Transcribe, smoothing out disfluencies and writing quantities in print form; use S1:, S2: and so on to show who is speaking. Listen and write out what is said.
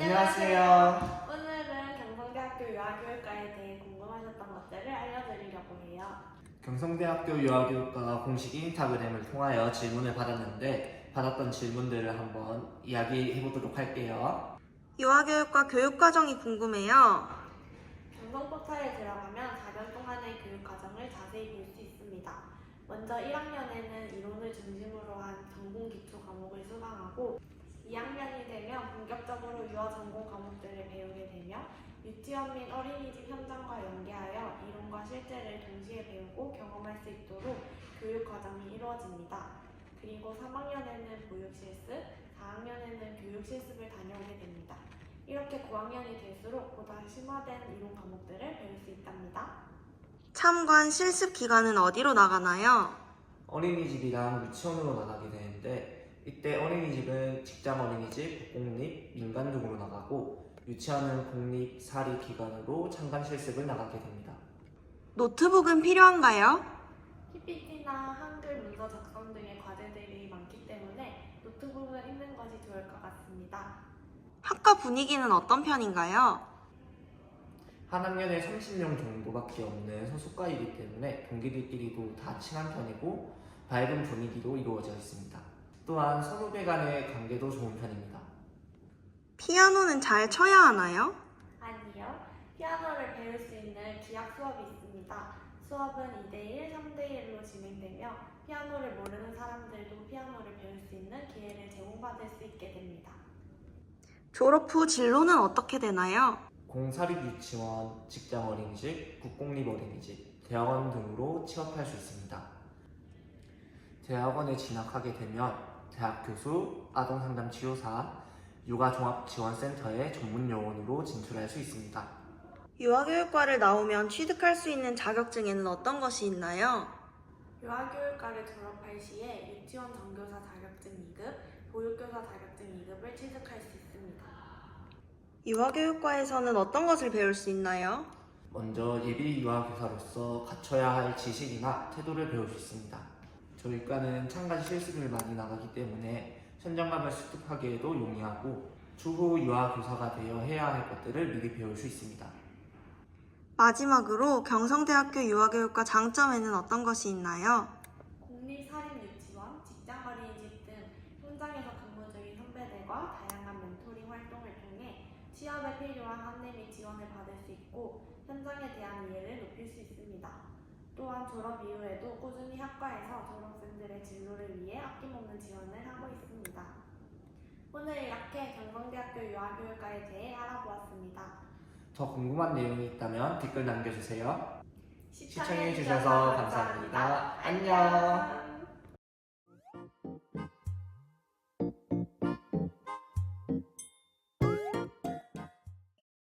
S1: 안녕하세요.
S2: 오늘은 경성대학교 유아교육과에 대해 궁금하셨던 것들을 알려드리려고 해요.
S1: 경성대학교 유아교육과 공식 인스타그램을 통하여 질문을 받았는데 받았던 질문들을 한번 이야기해보도록 할게요.
S3: 유아교육과 교육과정이 궁금해요.
S2: 경성포털에 들어가면 4년 동안의 교육과정을 자세히 볼 수 있습니다. 먼저 1학년에는 이론을 중심으로 한 전공 기초 과목을 수강하고 2학년이 되면 본격적으로 유아 전공 과목들을 배우게 되며 유치원 및 어린이집 현장과 연계하여 이론과 실제를 동시에 배우고 경험할 수 있도록 교육 과정이 이루어집니다. 그리고 3학년에는 보육 실습, 4학년에는 교육 실습을 다녀오게 됩니다. 이렇게 9학년이 될수록 보다 심화된 이론 과목들을 배울 수 있답니다.
S3: 참관 실습 기간은 어디로 나가나요?
S1: 어린이집이랑 유치원으로 나가게 되는데 이때 어린이집은 직장 어린이집, 공립, 민간 등으로 나가고 유치원은 공립, 사립 기관으로 참관 실습을 나가게 됩니다.
S3: 노트북은 필요한가요?
S2: PPT나 한글 문서 작성 등의 과제들이 많기 때문에 노트북을 있는 것이 좋을 것 같습니다.
S3: 학과 분위기는 어떤 편인가요?
S1: 한 학년에 30명 정도밖에 없는 소속과이기 때문에 동기들끼리도 다 친한 편이고 밝은 분위기로 이루어져 있습니다. 또한 선후배 간의 관계도 좋은 편입니다.
S3: 피아노는 잘 쳐야 하나요?
S2: 아니요. 피아노를 배울 수 있는 기악 수업이 있습니다. 수업은 2대1, 3대1로 진행되며 피아노를 모르는 사람들도 피아노를 배울 수 있는 기회를 제공받을 수 있게 됩니다.
S3: 졸업 후 진로는 어떻게 되나요?
S1: 공사립 유치원, 직장 어린이집, 국공립 어린이집, 대학원 등으로 취업할 수 있습니다. 대학원에 진학하게 되면 대학 교수, 아동상담치료사, 육아종합지원센터의 전문 요원으로 진출할 수 있습니다.
S3: 유아교육과를 나오면 취득할 수 있는 자격증에는 어떤 것이 있나요?
S2: 유아교육과를 졸업할 시에 유치원 정교사 자격증 2급, 보육교사 자격증 2급을 취득할 수 있습니다.
S3: 유아교육과에서는 어떤 것을 배울 수 있나요?
S1: 먼저 예비 유아교사로서 갖춰야 할 지식이나 태도를 배울 수 있습니다. 저희 과는 참관 실습을 많이 나가기 때문에 현장감을 습득하기에도 용이하고 추후 유아교사가 되어 해야 할 것들을 미리 배울 수 있습니다.
S3: 마지막으로 경성대학교 유아교육과 장점에는 어떤 것이 있나요?
S2: 공립사립유치원, 직장어린이집 등 현장에서 근무 중인 선배들과 다양한 멘토링 활동을 통해 취업에 필요한 안내 및 지원을 받을 수 있고 현장에 대한 이해를 높일 수 있습니다. 또한 졸업 이후에도 꾸준히 학과에서 졸업생들의 진로를 위해 아낌없는 지원을 하고 있습니다. 오늘 이렇게 경성대학교 유아교육과에 대해 알아보았습니다.
S1: 더 궁금한 내용이 있다면 댓글 남겨주세요.
S2: 시청해주셔서 감사합니다.
S1: 안녕.